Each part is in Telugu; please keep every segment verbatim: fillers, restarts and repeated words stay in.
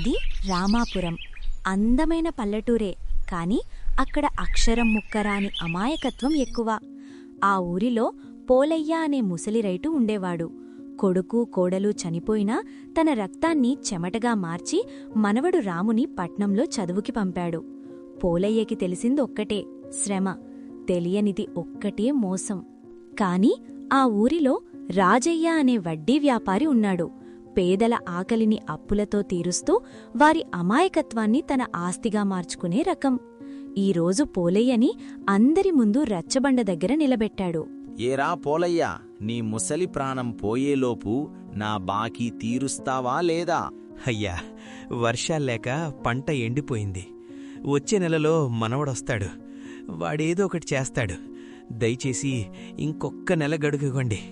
అది రామాపురం. అందమైన పల్లెటూరే, కాని అక్కడ అక్షరం ముక్కరాని అమాయకత్వం ఎక్కువ. ఆ ఊరిలో పోలయ్య అనే ముసలి రైతు ఉండేవాడు. కొడుకు కోడలు చనిపోయినా తన రక్తాన్ని చెమటగా మార్చి మనవడు రాముని పట్నంలో చదువుకి పంపాడు. పోలయ్యకి తెలిసిందొక్కటే శ్రమ, తెలియనిది ఒక్కటే మోసం. కాని ఆ ఊరిలో రాజయ్య అనే వడ్డీ వ్యాపారి ఉన్నాడు. పేదల ఆకలిని అప్పులతో తీరుస్తూ వారి అమాయకత్వాన్ని తన ఆస్తిగా మార్చుకునే రకం. ఈరోజు పోలయ్యని అందరి ముందు రచ్చబండ దగ్గర నిలబెట్టాడు. ఏరా పోలయ్య, నీ ముసలి ప్రాణం పోయేలోపు నా బాకీ తీరుస్తావా లేదా? అయ్యా, వర్షాల్లేక పంట ఎండిపోయింది. వచ్చే నెలలో మనవడొస్తాడు. వాడేదో ఒకటి చేస్తాడు. దయచేసి ఇంకొక్క నెల గడుగుకోండి.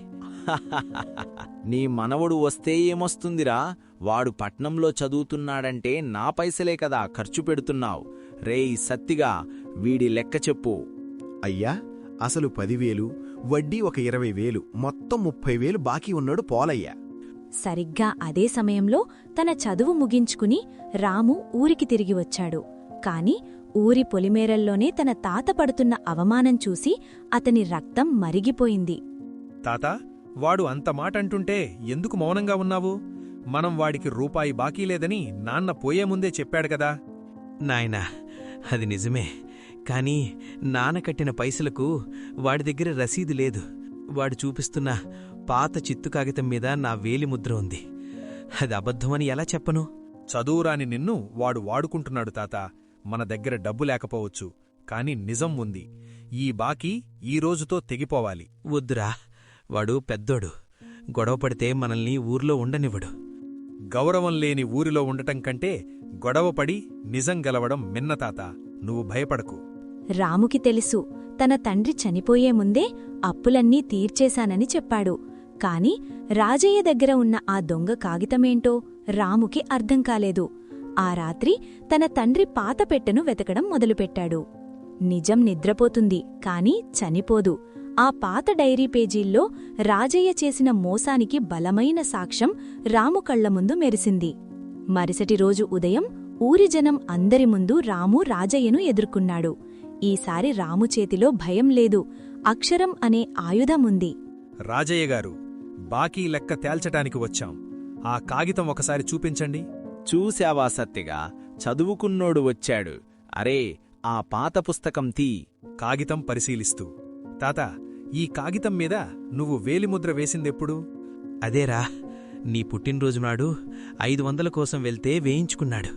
నీ మనవడు వస్తే ఏమొస్తుందిరా? వాడు పట్నంలో చదువుతున్నాడంటే నా పైసలే కదా ఖర్చు పెడుతున్నావు. రేయ్ సత్తిగా, వీడి లెక్క చెప్పు. అయ్యా, అసలు పదివేలు, వడ్డీ ఒక ఇరవై వేలు, మొత్తం ముప్పై వేలు బాకీ ఉన్నాడు పోలయ్య. సరిగ్గా అదే సమయంలో తన చదువు ముగించుకుని రాము ఊరికి తిరిగి వచ్చాడు. కాని ఊరి పొలిమేరల్లోనే తన తాత పడుతున్న అవమానం చూసి అతని రక్తం మరిగిపోయింది. తాతా, వాడు అంత మాటంటుంటే ఎందుకు మౌనంగా ఉన్నావు? మనం వాడికి రూపాయి బాకీ లేదని నాన్న పోయే ముందే చెప్పాడు కదా. నాయనా, అది నిజమే. కాని నాన్న కట్టిన పైసలకు వాడి దగ్గర రసీదు లేదు. వాడు చూపిస్తున్న పాత చిత్తు కాగితం మీద నా వేలిముద్ర ఉంది. అది అబద్ధమని ఎలా చెప్పను? చదువురాని నిన్ను వాడు వాడుకుంటున్నాడు తాత. మన దగ్గర డబ్బు లేకపోవచ్చు, కాని నిజం ఉంది. ఈ బాకీ ఈ రోజుతో తెగిపోవాలి. వద్దురా, వాడు పెద్దోడు. గొడవపడితే మనల్ని ఊర్లో ఉండనివ్వడు. గౌరవం లేని ఊరిలో ఉండటం కంటే గొడవపడి నిజం గెలవడం మిన్నతాత. నువ్వు భయపడకు. రాముకి తెలుసు, తన తండ్రి చనిపోయే ముందే అప్పులన్నీ తీర్చేశానని చెప్పాడు. కాని రాజయ్య దగ్గర ఉన్న ఆ దొంగ కాగితమేంటో రాముకి అర్థం కాలేదు. ఆ రాత్రి తన తండ్రి పాత పెట్టెను వెతకడం మొదలుపెట్టాడు. నిజం నిద్రపోతుంది, కాని చనిపోదు. ఆ పాత డైరీ పేజీల్లో రాజయ్య చేసిన మోసానికి బలమైన సాక్ష్యం రాము కళ్ల ముందు మెరిసింది. మరుసటి రోజు ఉదయం ఊరి జనం అందరి ముందు రాము రాజయ్యను ఎదుర్కొన్నాడు. ఈసారి రాము చేతిలో భయం లేదు, అక్షరం అనే ఆయుధముంది. రాజయ్యగారు, బాకీ లెక్క తేల్చటానికి వచ్చాం. ఆ కాగితం ఒకసారి చూపించండి. చూశావా సత్తిగా, చదువుకున్నోడు వచ్చాడు. అరే, ఆ పాత పుస్తకం తీ. కాగితం పరిశీలిస్తూ, తాత, ఈ కాగితం మీద నువ్వు వేలిముద్ర వేసిందెప్పుడు? అదేరా, నీ పుట్టినరోజునాడు ఐదు వందల కోసం వెళ్తే వేయించుకున్నాడు.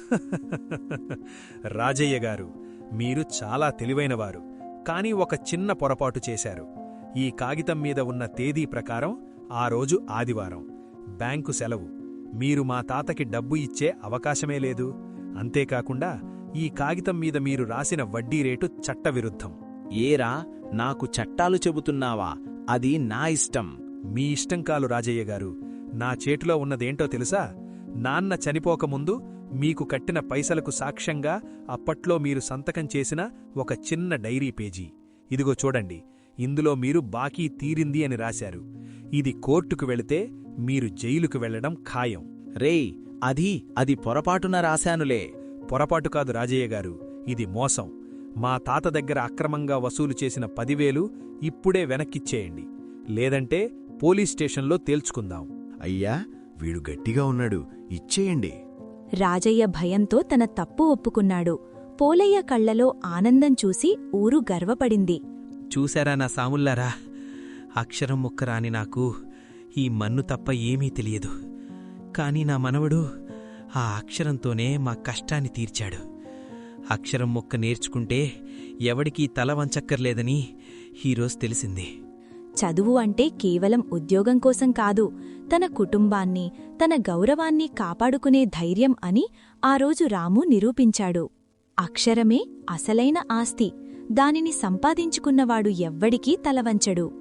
రాజయ్యగారు, మీరు చాలా తెలివైనవారు. కాని ఒక చిన్న పొరపాటు చేశారు. ఈ కాగితం మీద ఉన్న తేదీ ప్రకారం ఆ రోజు ఆదివారం, బ్యాంకు సెలవు. మీరు మా తాతకి డబ్బు ఇచ్చే అవకాశమే లేదు. అంతేకాకుండా ఈ కాగితం మీద మీరు రాసిన వడ్డీ రేటు చట్టవిరుద్ధం. ఏరా, నాకు చట్టాలు చెబుతున్నావా? అది నా ఇష్టం. మీ ఇష్టం కాలు రాజయ్యగారు. నా చేతిలో ఉన్నదేంటో తెలుసా? నాన్న చనిపోకముందు మీకు కట్టిన పైసలకు సాక్ష్యంగా అప్పట్లో మీరు సంతకం చేసిన ఒక చిన్న డైరీ పేజీ. ఇదిగో చూడండి, ఇందులో మీరు బాకీ తీరింది అని రాశారు. ఇది కోర్టుకు వెళితే మీరు జైలుకు వెళ్లడం ఖాయం. రేయ్, అది అది పొరపాటున రాశానులే. పొరపాటు కాదు రాజయ్యగారు, ఇది మోసం. మా తాత దగ్గర అక్రమంగా వసూలు చేసిన పదివేలు ఇప్పుడే వెనక్కిచ్చేయండి. లేదంటే పోలీస్ స్టేషన్లో తేల్చుకుందాం. అయ్యా, వీడు గట్టిగా ఉన్నాడు, ఇచ్చేయండి. రాజయ్య భయంతో తన తప్పు ఒప్పుకున్నాడు. పోలయ్య కళ్లలో ఆనందం చూసి ఊరు గర్వపడింది. చూశారా నా సాముల్లారా, అక్షరం ముక్కరాని నాకు ఈ మన్ను తప్ప ఏమీ తెలియదు. కాని నా మనవడు ఆ అక్షరంతోనే మా కష్టాన్ని తీర్చాడు. అక్షరం ముక్క నేర్చుకుంటే ఎవడికీ తల వంచక్కర్లేదని ఈరోజు తెలిసింది. చదువు అంటే కేవలం ఉద్యోగం కోసం కాదు, తన కుటుంబాన్ని, తన గౌరవాన్ని కాపాడుకునే ధైర్యం అని ఆ రోజు రాము నిరూపించాడు. అక్షరమే అసలైన ఆస్తి. దానిని సంపాదించుకున్నవాడు ఎవ్వడికీ తలవంచడు.